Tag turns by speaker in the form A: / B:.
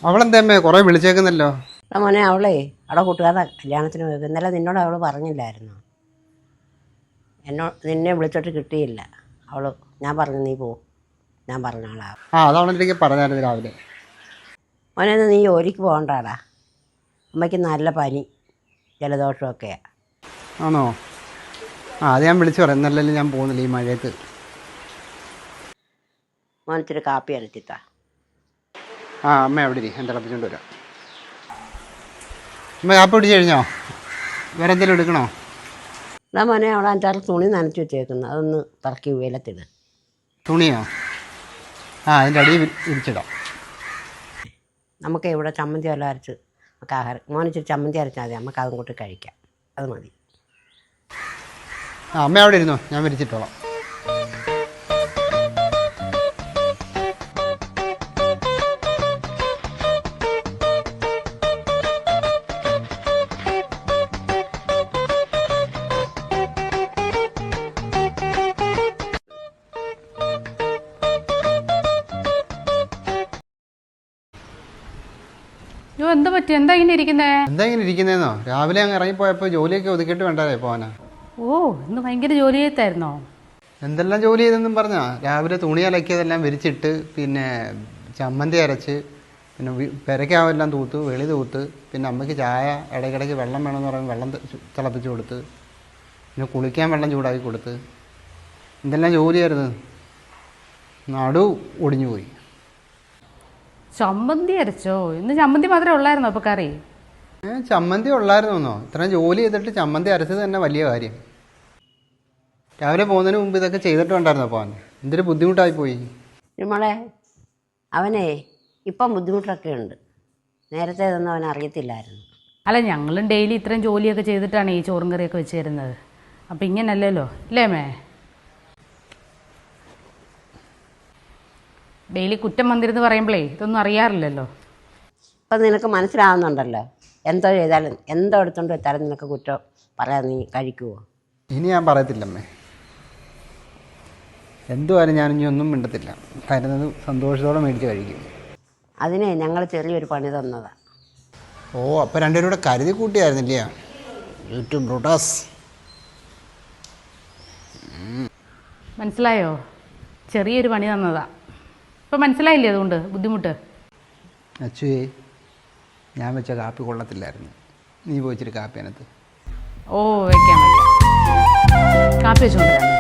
A: അവളെന്തേ കുറേ വിളിച്ചേക്കുന്നല്ലോ?
B: മോനെ അവളെ അവിടെ കൂട്ടുകാരുടെ കല്യാണത്തിന് പോയി. ഇന്നലെ നിന്നോട് അവൾ പറഞ്ഞില്ലായിരുന്നു? നിന്നെ വിളിച്ചിട്ട് കിട്ടിയില്ല. ഞാൻ പറഞ്ഞു നീ പോ, ഞാൻ പറഞ്ഞ ആളാ.
A: അതവളെനിക്ക് പറഞ്ഞായിരുന്നു രാവിലെ.
B: മോനെ നീ ജോലിക്ക് പോകണ്ടാടാ, അമ്മയ്ക്ക് നല്ല പനി ജലദോഷമൊക്കെയാണ്.
A: ആണോ? അത് ഞാൻ വിളിച്ചു പറയാം. എന്നല്ലല്ലോ ഞാൻ പോകുന്നില്ല ഈ മഴയത്ത്.
B: മോനത്തിരി കാപ്പി അരച്ചിട്ടാ.
A: അമ്മ എവിടെ ഇരി, ഞാൻ തിളപ്പിച്ചുകൊണ്ട് വരാം. അമ്മ കാപ്പി പിടിച്ച് കഴിഞ്ഞോ? വേറെ എന്തെങ്കിലും എടുക്കണോ?
B: എന്നാ മോനെ അവിടെ 5-6 തുണി നനച്ച് വെച്ചേക്കുന്നു, അതൊന്ന് തറക്കി വെയിലത്തിട്.
A: തുണിയോ? അതിൻ്റെ അടിയിൽ വിരിച്ചിടാം.
B: നമുക്ക് ഇവിടെ ചമ്മന്തി വല്ല അരച്ച് നമുക്ക് ആഹാരം. മോനിച്ചിരി ചമ്മന്തി അരച്ചാൽ മതി, നമുക്ക് അതും കൂട്ടി കഴിക്കാം. അത് മതി.
A: അമ്മ അവിടെ ഇരുന്നോ, ഞാൻ വിരിച്ചിട്ടോളാം.
C: എന്താ പറ്റി? എന്താ ഇങ്ങനെ
A: ഇരിക്കുന്നേന്നോ? രാവിലെ അങ്ങ് ഇറങ്ങിപ്പോയപ്പോൾ ജോലിയൊക്കെ ഒതുക്കിയിട്ട് വേണ്ടേ പോവാനാ.
C: ഇന്ന് ഭയങ്കര ജോലി ചെയ്തായിരുന്നോ?
A: എന്തെല്ലാം ജോലി ചെയ്തെന്നും പറഞ്ഞാ. രാവിലെ തുണി അലക്കിയതെല്ലാം വിരിച്ചിട്ട്, പിന്നെ ചമ്മന്തി അരച്ച്, പിന്നെ പെരയ്ക്കാവെല്ലാം തൂത്ത്, വെളി തൂത്ത്, പിന്നെ അമ്മയ്ക്ക് ചായ ഇടയ്ക്കിടയ്ക്ക് വെള്ളം വേണമെന്ന് പറയുമ്പോൾ വെള്ളം തിളപ്പിച്ച് കൊടുത്ത്, പിന്നെ കുളിക്കാൻ വെള്ളം ചൂടാക്കി കൊടുത്ത്. എന്തെല്ലാം ജോലിയായിരുന്നു. നടു ഒടിഞ്ഞു പോയി.
C: ചമ്മന്തി അരച്ചോ? ഇന്ന് ചമ്മന്തി മാത്രമേ ഉള്ളായിരുന്നോ അപ്പോൾ കറി?
A: ചമ്മന്തി ഉള്ളായിരുന്നോ? ഇത്രയും ജോലി ചെയ്തിട്ട് ചമ്മന്തി അരച്ചത് തന്നെ വലിയ കാര്യം. രാവിലെ പോകുന്നതിന് മുമ്പ് ഇതൊക്കെ ചെയ്തിട്ട് ഉണ്ടായിരുന്നോ പോകാൻ? എന്തൊരു ബുദ്ധിമുട്ടായി പോയി.
B: നമ്മളെ അവനെ ഇപ്പം ബുദ്ധിമുട്ടൊക്കെ ഉണ്ട്, നേരത്തെ ഇതൊന്നും അവൻ അറിയത്തില്ലായിരുന്നു.
C: അല്ല, ഞങ്ങളും ഡെയിലി ഇത്രയും ജോലിയൊക്കെ ചെയ്തിട്ടാണ് ഈ ചോറും കറിയൊക്കെ വെച്ച് തരുന്നത്. അപ്പം ഇങ്ങനല്ലല്ലോ അല്ലേ മേ? ഡെയിലി കുറ്റം വന്നിരുന്ന് പറയുമ്പോഴേ ഇതൊന്നും അറിയാറില്ലല്ലോ.
B: ഇപ്പം നിനക്ക് മനസ്സിലാവുന്നുണ്ടല്ലോ, എന്തോ ചെയ്താലും എന്തോ എടുത്തോണ്ട് വെച്ചാലും നിനക്ക് കുറ്റം പറയാൻ നീ കഴിക്കുമോ?
A: ഇനി ഞാൻ പറയത്തില്ലമ്മേ. എന്തുവായാലും ഞാനിനി ഒന്നും മിണ്ടത്തില്ല. തരുന്നത് സന്തോഷത്തോടെ മേടിച്ച് കഴിക്കും.
B: അതിനെ ഞങ്ങൾ ചെറിയൊരു പണി തന്നതാണ്.
A: അപ്പോൾ രണ്ടുപേരും കൂടെ കരുതി കൂട്ടിയായിരുന്നില്ല? യൂട്യൂബ് ബ്രൂട്ടാസ്.
C: മനസ്സിലായോ? ചെറിയൊരു പണി തന്നതാ. ഇപ്പം മനസ്സിലായില്ലേ അതുകൊണ്ട് ബുദ്ധിമുട്ട്?
A: അച്ചുവേ, ഞാൻ വെച്ച കാപ്പി കൊള്ളത്തില്ലായിരുന്നു. നീ പോയിച്ചിട്ട് കാപ്പി അതിനകത്ത്.
C: വെക്കാം. കാപ്പി വെച്ചുകൊണ്ടിരാം.